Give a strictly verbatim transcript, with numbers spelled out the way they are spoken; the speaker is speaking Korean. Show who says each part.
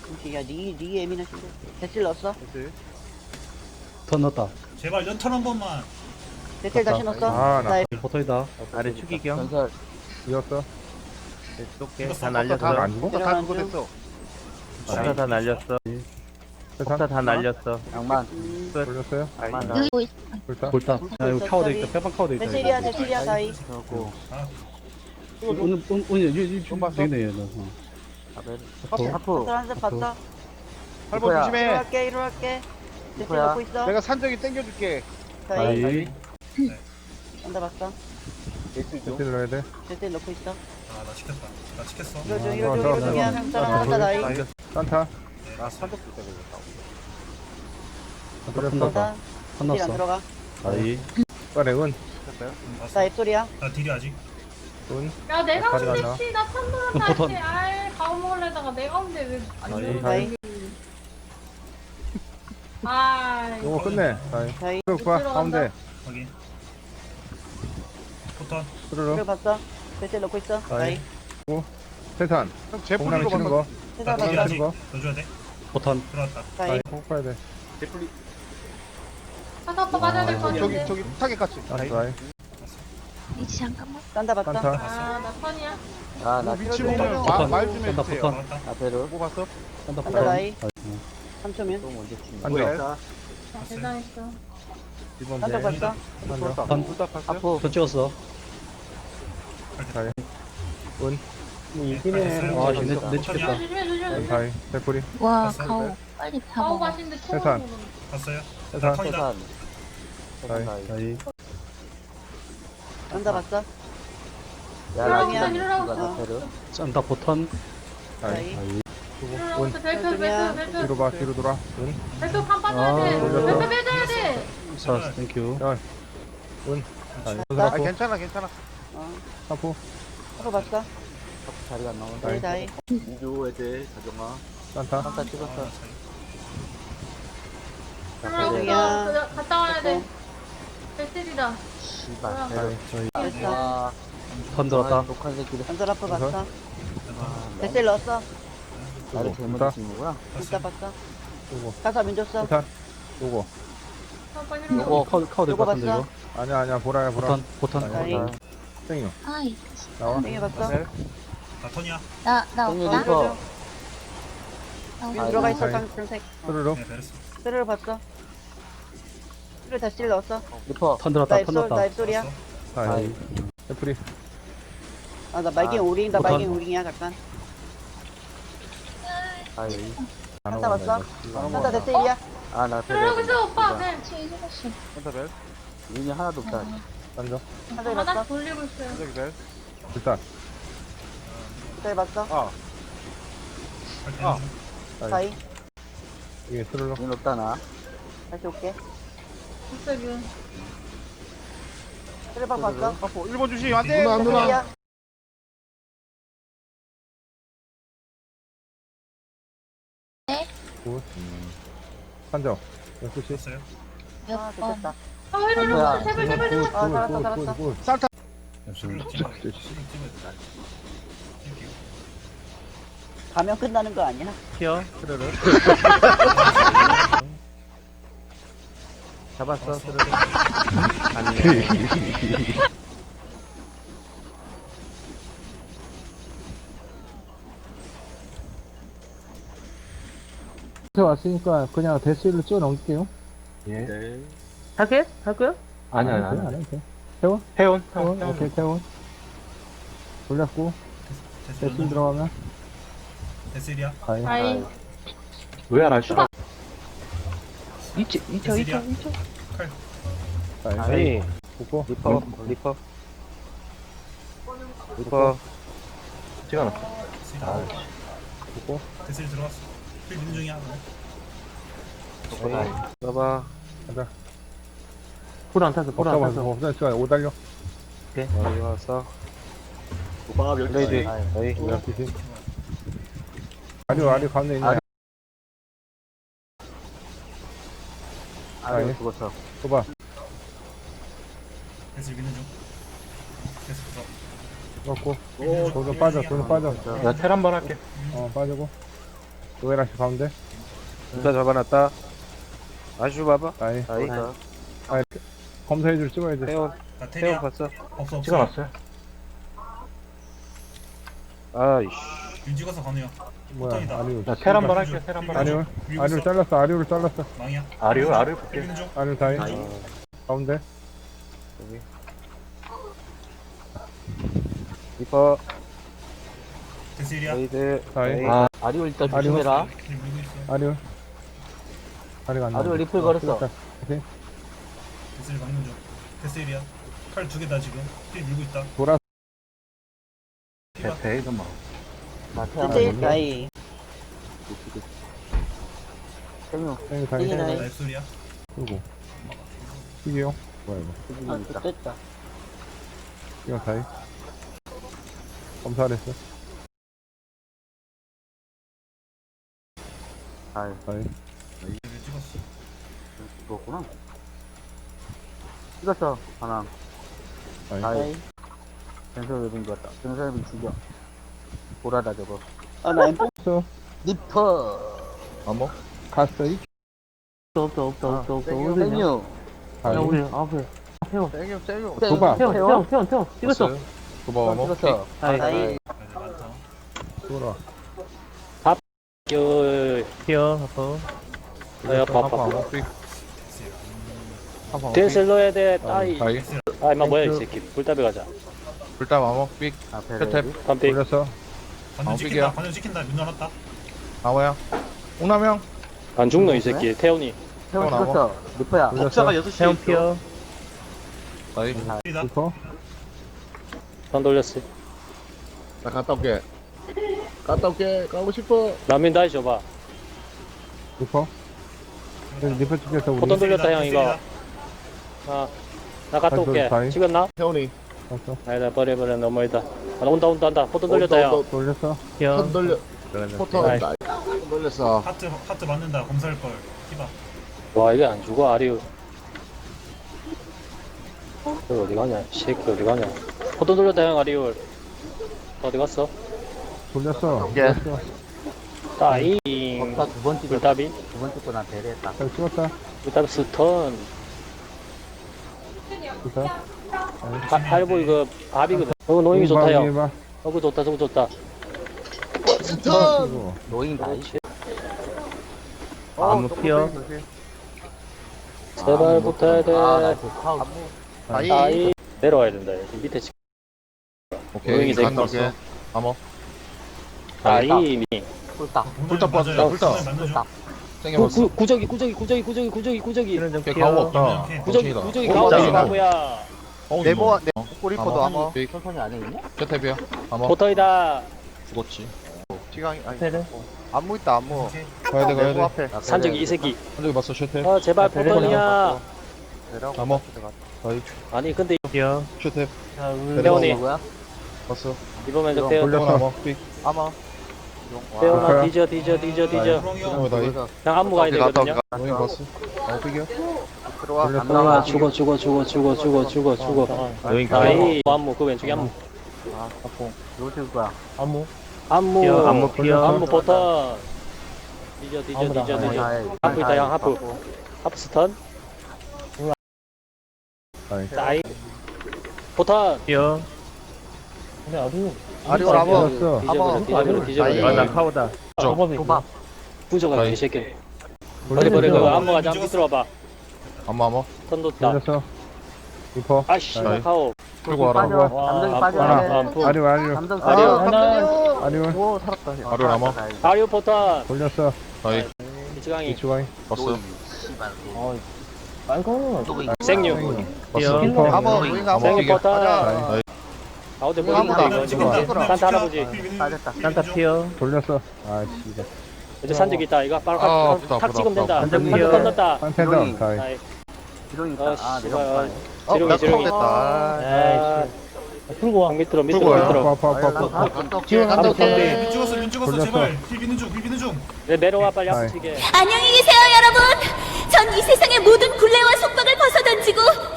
Speaker 1: 야, 니, 니 예민하신데. 대실 넣었어?
Speaker 2: 됐지?
Speaker 3: 턴 넣었다.
Speaker 4: 제발 연턴 한 번만.
Speaker 1: 대실 다시 넣었어?
Speaker 2: 아, 나
Speaker 1: 나
Speaker 3: 포토이다.
Speaker 5: 아래 추기경
Speaker 6: 전설
Speaker 2: 이었어?
Speaker 5: 쏙게
Speaker 4: 이겼어.
Speaker 5: 다
Speaker 2: 다
Speaker 5: 날렸어.
Speaker 2: 안 죽어?
Speaker 1: 다
Speaker 2: 다
Speaker 1: 그거
Speaker 2: 됐어.
Speaker 5: 폭타 다 날렸어. 폭타
Speaker 2: 세상
Speaker 5: 다 날렸어.
Speaker 6: 양만
Speaker 1: 음,
Speaker 2: 돌렸어요?
Speaker 6: 양만 다
Speaker 7: 여기 뭐 있어?
Speaker 2: 불타?
Speaker 3: 골다. 야, 이거 카우드 있다. 빼방 카우드 있다.
Speaker 1: 대실이야, 대실이야, 다이.
Speaker 6: 하고
Speaker 4: 아,
Speaker 3: 오늘, 오늘, 오늘, 이, 이,
Speaker 2: 좀 봤어?
Speaker 3: 되네, 얘는. 어.
Speaker 6: 아벨
Speaker 2: 하프.
Speaker 6: 하프
Speaker 1: 한대 봤어?
Speaker 2: 팔 번
Speaker 6: 이거야.
Speaker 2: 조심해.
Speaker 1: 일어날게, 일어날게. 대실
Speaker 6: 이거야.
Speaker 1: 넣고 있어?
Speaker 2: 내가 산적이 땡겨줄게.
Speaker 1: 다이.
Speaker 3: 아이,
Speaker 1: 한대 봤어?
Speaker 2: 대신 넣어야 돼.
Speaker 1: 대실 넣고 있어?
Speaker 4: 아, 나 시켰다. 나 시켰어.
Speaker 1: 이거 중,
Speaker 2: 아,
Speaker 1: 이거 중,
Speaker 2: 좋아,
Speaker 1: 이거
Speaker 2: 좋아,
Speaker 1: 중이야.
Speaker 2: 좋아.
Speaker 1: 한 사람
Speaker 2: 아,
Speaker 1: 한다, 다이.
Speaker 2: 돌려. 산타.
Speaker 4: 나
Speaker 2: 산적 줄 때가
Speaker 3: 턴
Speaker 2: 돌렸어.
Speaker 3: 넣었다.
Speaker 1: 대실
Speaker 3: 턴
Speaker 1: 안
Speaker 3: 넣었어.
Speaker 1: 들어가.
Speaker 3: 아이,
Speaker 2: 빨리 은.
Speaker 1: 나 앱소리야.
Speaker 4: 나 딜이 아직.
Speaker 2: 은.
Speaker 8: 야 내가
Speaker 2: 가져가,
Speaker 8: 근데
Speaker 2: 나.
Speaker 8: 씨나 판도란
Speaker 3: 버튼.
Speaker 8: 다시 아이 가오 먹으려다가 내가 근데 왜안
Speaker 3: 아이,
Speaker 8: 되는
Speaker 1: 다이.
Speaker 8: 거야? 아
Speaker 2: 요거 끝내. 다이.
Speaker 1: 다이.
Speaker 2: 그리고 봐, 가운데.
Speaker 4: 확인. 포턴.
Speaker 2: 스르르.
Speaker 1: 이거 봤어? 대실 넣고 있어? 다이.
Speaker 2: 세산. 공남이 치는 거.
Speaker 1: 대실
Speaker 4: 나 딜이
Speaker 2: 공남이
Speaker 1: 봤어?
Speaker 4: 아직.
Speaker 2: 치는 거.
Speaker 4: 넣어줘야 돼.
Speaker 3: 포턴.
Speaker 4: 들어왔다.
Speaker 1: 다이.
Speaker 2: 다이. 꼭 봐야 돼.
Speaker 8: 가서 아빠 맞아야 될 거
Speaker 2: 저기,
Speaker 8: 같은데
Speaker 2: 저기, 타겟 같이. 다이.
Speaker 7: 위치 잠깐만.
Speaker 1: 딴다 봤어?
Speaker 2: 산타.
Speaker 8: 아나 턴이야
Speaker 6: 아나
Speaker 2: 위치
Speaker 1: 그러네.
Speaker 2: 보면
Speaker 3: 포탄.
Speaker 2: 말 좀
Speaker 3: 포탄,
Speaker 2: 해주세요.
Speaker 3: 포탄.
Speaker 4: 들어왔다.
Speaker 6: 아벨을
Speaker 2: 뭐 봤어?
Speaker 3: 턴다,
Speaker 1: 한다,
Speaker 3: 포턴.
Speaker 1: 다이.
Speaker 3: 아이,
Speaker 1: 삼 초면.
Speaker 6: 또 먼저 치는
Speaker 2: 앉아.
Speaker 6: 거야
Speaker 8: 아, 대단했어
Speaker 2: 이번
Speaker 1: 한대
Speaker 2: 배.
Speaker 1: 봤어?
Speaker 2: 앉아.
Speaker 3: 턴.
Speaker 2: 둘다 봤어요?
Speaker 6: 하프
Speaker 3: 턴 찍었어.
Speaker 2: 다이. 은.
Speaker 4: 이기네.
Speaker 3: 아, 씨, 내, 내
Speaker 8: 조심해
Speaker 3: 찍겠다.
Speaker 8: 조심해 조심해
Speaker 2: 다이. 대풀이.
Speaker 7: 와,
Speaker 4: 봤어,
Speaker 7: 가오. 빨리 다
Speaker 8: 가오
Speaker 7: 먹어.
Speaker 8: 맛있는데 통
Speaker 2: 세상.
Speaker 8: 먹는
Speaker 4: 봤어요?
Speaker 2: 세산.
Speaker 4: 턴이다.
Speaker 6: 세산
Speaker 2: 다이.
Speaker 6: 세산 다이
Speaker 3: 아이,
Speaker 1: 딴다 봤어?
Speaker 6: 야
Speaker 8: 일어나고
Speaker 6: 라지나
Speaker 8: 있어, 일어나고
Speaker 6: 이거
Speaker 1: 있어.
Speaker 6: 아벨을
Speaker 3: 짠다, 포턴.
Speaker 2: 다이.
Speaker 1: 다이.
Speaker 3: 아이,
Speaker 8: 일어나고 있어 벨트
Speaker 1: 조심이야.
Speaker 8: 벨트 벨트
Speaker 2: 뒤로 봐, 뒤로 돌아. 은.
Speaker 8: 벨트 판 빠져야
Speaker 3: 아,
Speaker 8: 돼
Speaker 2: 돌렸어.
Speaker 8: 벨트 빼줘야 돼
Speaker 3: 사, 땡큐.
Speaker 2: 아, 괜찮아, 괜찮아.
Speaker 1: 어.
Speaker 2: 하프.
Speaker 1: 한거 봤어?
Speaker 6: 하프 자리가 안 나온다
Speaker 1: 다이, 다이.
Speaker 6: 인조 애들 가정아
Speaker 2: 산타.
Speaker 6: 산타 찍었어
Speaker 8: 일어나고
Speaker 6: 아벨을
Speaker 1: 야.
Speaker 8: 있어 갔다 와야 돼 벨트이다
Speaker 6: 씨발
Speaker 8: 뭐야.
Speaker 2: 다이.
Speaker 3: 저희,
Speaker 1: 됐어.
Speaker 6: 와
Speaker 3: 턴 들었다.
Speaker 6: 독한 새끼들
Speaker 1: 한달 앞에 봤어?
Speaker 6: 아,
Speaker 1: 대실 넣었어?
Speaker 6: 나를
Speaker 2: 요거.
Speaker 6: 잘못
Speaker 2: 불타.
Speaker 6: 치는 거구나
Speaker 1: 진짜 봤어?
Speaker 2: 요거.
Speaker 1: 가사 민 줬어?
Speaker 2: 세산. 요거.
Speaker 8: 아빠 일어나
Speaker 6: 요거
Speaker 3: 카우드, 카우드
Speaker 1: 요거
Speaker 3: 같은데,
Speaker 1: 봤어?
Speaker 3: 이거.
Speaker 2: 아니야, 아니야. 보라야, 보라.
Speaker 3: 포턴, 포턴.
Speaker 1: 다이.
Speaker 2: 땡이요.
Speaker 7: 아이,
Speaker 2: 나와.
Speaker 1: 땡이 봤어?
Speaker 2: 네.
Speaker 4: 나 턴이야.
Speaker 7: 나, 나
Speaker 6: 땡겨
Speaker 7: 없다.
Speaker 6: 리퍼
Speaker 7: 나
Speaker 1: 민
Speaker 6: 아이,
Speaker 1: 들어가 있어,
Speaker 2: 다이.
Speaker 1: 깡색.
Speaker 2: 스르르.
Speaker 4: 네, 베르스.
Speaker 1: 스르를 봤어? 스르 대실 넣었어?
Speaker 6: 리퍼
Speaker 3: 턴 들었다,
Speaker 1: 나
Speaker 3: 턴
Speaker 1: 앱소, 나
Speaker 3: 넣었다.
Speaker 1: 앱소리야?
Speaker 4: 봤어?
Speaker 2: 다이. 대풀이.
Speaker 1: 아, 나 말긴
Speaker 6: 아,
Speaker 1: 오링, 나
Speaker 3: 못한-
Speaker 1: 말긴 오링이야, 잠깐.
Speaker 6: 다이
Speaker 1: 한타 봤어? 한타
Speaker 6: 어?
Speaker 1: 대실이야?
Speaker 6: 아나
Speaker 8: 일어나고 있어 오빠
Speaker 6: 벨
Speaker 8: 네
Speaker 7: 치 잊어봤어.
Speaker 2: 산타벨.
Speaker 6: 윤이 하나도 없다
Speaker 2: 앉아.
Speaker 1: 한타
Speaker 8: 하나
Speaker 1: 봤어?
Speaker 8: 돌리고 있어요
Speaker 2: 산적이 벨. 일단.
Speaker 1: 대실 봤어?
Speaker 2: 아.
Speaker 4: 아.
Speaker 2: 다이.
Speaker 1: 다이.
Speaker 2: 이게 스르르.
Speaker 6: 윤 없다 나
Speaker 1: 다시 올게.
Speaker 8: 국세균
Speaker 1: 스르박 봤어?
Speaker 2: 하프. 일 번 주시. 안 돼.
Speaker 1: 대실이야?
Speaker 2: 굿. 산적. 열두 시.
Speaker 4: 봤어요?
Speaker 1: 아,
Speaker 7: 몇 번.
Speaker 1: 됐다.
Speaker 8: 아 일어나
Speaker 6: 뭐야.
Speaker 8: 제발 제발 제발
Speaker 1: 아, 살았다, 살았다.
Speaker 2: 산타.
Speaker 4: 수능 찍어. 수능 찍어야 돼. 땡큐.
Speaker 1: 가면 끝나는 거 아니야?
Speaker 5: 튀어.
Speaker 2: 스르르.
Speaker 5: 잡았어. 스르르. 아니.
Speaker 9: 왔으니까 그냥 데스일로 찍어 넘길게요.
Speaker 2: 예.
Speaker 5: 타겟? 할 거야?
Speaker 9: 아니, 아니, 아니. 아니, 아니. 태원?
Speaker 5: 태원.
Speaker 9: 태원? 오케이, 태원. 돌렸고, 데스일
Speaker 4: 데스
Speaker 9: 들어가면,
Speaker 4: 데스일이야.
Speaker 9: 가요.
Speaker 8: 아이
Speaker 9: 왜 알았어?
Speaker 4: 데스일이야.
Speaker 2: 다이.
Speaker 5: 아니.
Speaker 2: 보고.
Speaker 5: 리퍼. 리퍼. 리퍼. 찍어놨어.
Speaker 4: 아.
Speaker 2: 보고.
Speaker 4: 데스일 들어왔어. 필 민 중이야.
Speaker 5: 봐봐.
Speaker 2: 가자.
Speaker 5: 풀안 탔어. 풀안
Speaker 2: 없어,
Speaker 5: 탔어.
Speaker 2: 없어. 없어. 오 달려.
Speaker 5: 오케이. 여기 왔어. 레이드. 너희.
Speaker 2: 열두 시. 아리, 아리 가운데 있네.
Speaker 6: 아래 죽었어
Speaker 2: 봐.
Speaker 4: 데스일 미는 중. 데스 들어.
Speaker 2: 넣고. 돈은 빠져, 돈은 빠져.
Speaker 5: 내가 텔 한 번 할게.
Speaker 2: 어, 빠지고. 노예라시 가운데.
Speaker 5: 부터 잡아놨다. 아슈 봐봐.
Speaker 2: 아이.
Speaker 5: 아이.
Speaker 2: 아이. 검사해줄 찍어야 돼.
Speaker 5: 태원,
Speaker 4: 나
Speaker 5: 태원
Speaker 4: 테리야.
Speaker 5: 봤어?
Speaker 4: 없어 없어.
Speaker 5: 찍어놨어요. 아이씨.
Speaker 4: 윤 찍어서 건우야.
Speaker 2: 뭐야,
Speaker 4: 포턴이다.
Speaker 2: 아리우.
Speaker 5: 자, 텔 한번 할게요, 텔 한번
Speaker 2: 아리우.
Speaker 4: 밀고
Speaker 2: 아리우
Speaker 4: 있어.
Speaker 2: 잘랐어, 아리우를 잘랐어.
Speaker 4: 망이야.
Speaker 5: 아리우, 아리우 볼게.
Speaker 4: 밀리는 중.
Speaker 2: 아리우 다이.
Speaker 6: 다이.
Speaker 2: 가운데.
Speaker 5: 리퍼,
Speaker 4: 데스일이야.
Speaker 5: 레이드,
Speaker 2: 다이.
Speaker 5: 아,
Speaker 6: 아리오 일단
Speaker 2: 아리오.
Speaker 6: 조심해라.
Speaker 4: 힐 밀고 있어.
Speaker 2: 아리우. 아리가 안 나와.
Speaker 6: 아리오 리플 걸었어.
Speaker 2: 오케이.
Speaker 4: 데스일 막는 중. 데스일이야. 칼 두 개다 지금. 힐 밀고 있다.
Speaker 2: 돌아.
Speaker 4: 피바.
Speaker 5: 대이더만.
Speaker 6: 마태
Speaker 1: 나이.
Speaker 6: 생유.
Speaker 2: 땡이 다이.
Speaker 1: 땡이 다이.
Speaker 4: 나 앱솔이야.
Speaker 2: 그리고. 이게요? 뭐야, 이거.
Speaker 6: 아, 됐다.
Speaker 2: 이거 다이. 검사를 했어.
Speaker 6: 다이.
Speaker 2: 다이.
Speaker 4: 왜 찍었어?
Speaker 6: 죽었구나. 찍었어, 하나.
Speaker 2: 다이.
Speaker 6: 다이. 전설 외빙 같다. 전설 외빙 죽여. 보라다, 저거.
Speaker 1: 아, 나 엠포.
Speaker 2: 없어.
Speaker 6: 리퍼.
Speaker 2: 어머. 갔어, 이.
Speaker 6: 없어, 없어, 없어, 없어.
Speaker 5: 생유,
Speaker 6: 생유.
Speaker 2: 다이.
Speaker 6: 우리 앞에. 태워.
Speaker 5: 세요, 세요.
Speaker 2: 도박.
Speaker 6: 태워, 태워, 태워, 태워. 찍었어.
Speaker 5: 도박, 뭐?
Speaker 6: 찍었어. 다이.
Speaker 1: 다이.
Speaker 4: 애들 많다.
Speaker 2: 돌아.
Speaker 3: 피어 아파.
Speaker 10: 아야 아파 아파
Speaker 4: 데스일.
Speaker 10: 댄스를 넣어야 돼 따이
Speaker 2: 다이.
Speaker 10: 아 임마 뭐야 이 새끼 불답에 가자
Speaker 2: 불닭 암흑 삑.
Speaker 6: 앞에
Speaker 2: 끝에.
Speaker 6: 레디.
Speaker 10: 반픽
Speaker 2: 돌렸어.
Speaker 4: 관전
Speaker 2: 어,
Speaker 4: 찍힌다.
Speaker 2: 삑이야.
Speaker 4: 관전 찍힌다. 문 열었다.
Speaker 2: 나와야. 옥남형.
Speaker 10: 안 죽노 이 새끼 태훈이
Speaker 6: 태워
Speaker 2: 나와.
Speaker 6: 찍었어. 리퍼야.
Speaker 2: 돌렸어.
Speaker 6: 여섯
Speaker 3: 태훈 피어.
Speaker 2: 다이.
Speaker 4: 힐이다.
Speaker 2: 리퍼.
Speaker 10: 선 돌렸어
Speaker 5: 나 갔다 올게. 갔다 올게. 가고 싶어.
Speaker 10: 라면 다시 줘봐
Speaker 2: 리퍼. 그래서 리퍼 찍혀서 우리.
Speaker 10: 포ton 돌렸다 형 이거
Speaker 4: 데스일이다.
Speaker 10: 아나 갔다
Speaker 2: 다시,
Speaker 10: 올게
Speaker 2: 다시.
Speaker 10: 찍었나?
Speaker 5: 태원이.
Speaker 2: 없어.
Speaker 10: 아니다 버려 버려 너무 멀다 아, 온다 온다 온다 포ton 돌렸다 형
Speaker 2: 돌렸어.
Speaker 3: 피어.
Speaker 5: 턴 돌려. 포터.
Speaker 10: 아이.
Speaker 5: 턴 돌렸어.
Speaker 4: 하트 하트 맞는다. 검사할 걸. 피바.
Speaker 10: 와 이게 안 죽어 아리우 너 어디 가냐 이 새끼 어디 가냐 포ton 돌렸다 형 아리우 어디 갔어?
Speaker 2: 돌렸어.
Speaker 5: 예.
Speaker 2: 돌렸어.
Speaker 10: 따이
Speaker 6: 없다 두번 찍었어.
Speaker 10: 불답이
Speaker 6: 두번 찍고 난 배려했다.
Speaker 2: 잘 찍었다.
Speaker 10: 불답 스턴
Speaker 2: 기사.
Speaker 10: 하- 할보 이거 밥이거든 어 노잉이 좋다 형
Speaker 2: 봐.
Speaker 10: 어 그거 좋다 저거 좋다
Speaker 2: 이거.
Speaker 6: 노인 다이.
Speaker 3: 아무 피어.
Speaker 10: 제발 붙어야 돼
Speaker 6: 아, 나 그 카우.
Speaker 5: 다이.
Speaker 10: 따이 내려와야 된다 여기 밑에 치 노잉이 새끼
Speaker 5: 올게. 암호.
Speaker 10: 따이 미
Speaker 6: 꿀딱.
Speaker 4: 불닭
Speaker 5: 빠졌다, 불닭.
Speaker 4: 맞는 중.
Speaker 6: 꿀딱.
Speaker 10: 구, 구, 구저기 구저기 구저기 구저기 구저기 구저기
Speaker 3: 이런 좀
Speaker 2: 걔
Speaker 3: 피어.
Speaker 2: 가오 없다.
Speaker 10: 구저기 구저기
Speaker 5: 어,
Speaker 10: 가운데
Speaker 5: 맞아.
Speaker 10: 바보야
Speaker 5: 네모, 네. 꼬리포도 암호.
Speaker 6: 천천히 안 해, 있냐?
Speaker 5: 저탭이야. 암호.
Speaker 10: 포터이다
Speaker 5: 죽었지. 지강이, 아니.
Speaker 3: 테레.
Speaker 5: 안무 있다, 안무.
Speaker 4: 오케이.
Speaker 2: 가야 돼, 가야
Speaker 5: 네모
Speaker 2: 돼.
Speaker 5: 앞에.
Speaker 10: 산적이 이 새끼
Speaker 2: 한쪽에 봤어, 셔탭.
Speaker 10: 아 제발
Speaker 3: 테레.
Speaker 10: 포터이야
Speaker 5: 내려가고.
Speaker 2: 암호.
Speaker 10: 아니 근데
Speaker 3: 피어.
Speaker 2: 셔탭.
Speaker 10: 태훈이
Speaker 6: 누구야?
Speaker 2: 봤어.
Speaker 10: 이번 면적 태훈
Speaker 2: 돌렸어. 암호 삑.
Speaker 5: 암호.
Speaker 10: 태훈아
Speaker 2: 와.
Speaker 10: 뒤져 뒤져 뒤져 뒤져
Speaker 4: 호랑이 형.
Speaker 2: 어, 다이.
Speaker 10: 그냥 안무 가야 되거든요
Speaker 2: 너희 봤어. 암호 삑이야.
Speaker 5: 들어와.
Speaker 2: 돌렸어.
Speaker 10: 아 죽어 죽어 죽어 죽어 죽어 죽어 죽어
Speaker 3: 노인
Speaker 10: 아이 안무 그 왼쪽에 안무
Speaker 6: 누구 찍을 거야?
Speaker 3: 아무.
Speaker 10: 안무
Speaker 3: 피어. 아무 피어.
Speaker 10: 안무 버튼 뒤져 뒤져 뒤져 뒤져 하프 있다 형 하프 하프 스턴
Speaker 2: 다이.
Speaker 10: 나이 포탄
Speaker 3: 피어.
Speaker 5: 아리오 암호.
Speaker 2: 돌렸어.
Speaker 10: 뒤져버려 뒤져버려 뒤져버려
Speaker 3: 아나 카우다.
Speaker 6: 도박.
Speaker 10: 부조가
Speaker 2: 나이.
Speaker 10: 이 새끼 버려 버려 그거 안무 가자 밑으로 와봐
Speaker 2: 암호, 암호.
Speaker 10: 턴 뒀다
Speaker 2: 돌렸어. 리퍼.
Speaker 10: 아이씨
Speaker 2: 나이.
Speaker 10: 카오
Speaker 2: 끌고 와라.
Speaker 6: 빠져.
Speaker 10: 와,
Speaker 6: 감정이
Speaker 10: 안
Speaker 6: 빠져야
Speaker 2: 아,
Speaker 6: 돼.
Speaker 10: 안부
Speaker 2: 아리오, 아리오.
Speaker 6: 감정
Speaker 5: 아,
Speaker 6: 빠져.
Speaker 5: 감독님.
Speaker 2: 아리오.
Speaker 5: 오, 살았다.
Speaker 2: 아리오 암호.
Speaker 10: 아리오 포탄
Speaker 2: 돌렸어. 다이.
Speaker 10: 이치강이
Speaker 2: 이추가이.
Speaker 5: 봤어.
Speaker 10: 생류
Speaker 3: 피어.
Speaker 2: 리퍼.
Speaker 5: 암호, 우잉 암호.
Speaker 10: 생류 포탄
Speaker 2: 다이.
Speaker 10: 가운데
Speaker 5: 이거 아무도
Speaker 10: 보이는데
Speaker 5: 안
Speaker 10: 이거
Speaker 5: 찍어.
Speaker 10: 지금 산타 할아버지
Speaker 6: 빠졌다.
Speaker 3: 산타 피어.
Speaker 2: 돌렸어. 아이씨. 이거.
Speaker 10: 이제 산적 있다 이거 빨리
Speaker 2: 아,
Speaker 10: 탁,
Speaker 2: 아프다,
Speaker 10: 탁
Speaker 2: 아프다,
Speaker 10: 찍으면 된다
Speaker 3: 아프다.
Speaker 10: 산적
Speaker 3: 산적
Speaker 10: 건넜다
Speaker 2: 한테더.
Speaker 6: 이론이.
Speaker 2: 다이.
Speaker 10: 아이,
Speaker 6: 지렁이 있다.
Speaker 10: 어,
Speaker 6: 아,
Speaker 10: 씨발.
Speaker 6: 내려가.
Speaker 5: 어,
Speaker 10: 지렁이,
Speaker 5: 나
Speaker 10: 지렁이.
Speaker 5: 됐다.
Speaker 10: 아, 풀고 와 밑으로 밑으로
Speaker 5: 풀고 와요.
Speaker 10: 밑으로
Speaker 2: 아파, 아파, 아파, 아파.
Speaker 5: 갔다 올게.
Speaker 6: 지금
Speaker 5: 갔다
Speaker 10: 한번
Speaker 5: 올게.
Speaker 4: 윤 찍었어. 윤 찍었어.
Speaker 2: 돌렸어.
Speaker 4: 제발. 힐 비는 중. 힐 비는 중.
Speaker 10: 내 내려와 빨리
Speaker 2: 아이.
Speaker 10: 앞으로 튀게
Speaker 7: 안녕히 계세요, 여러분. 전 이 세상의 모든 굴레와 속박을 벗어던지고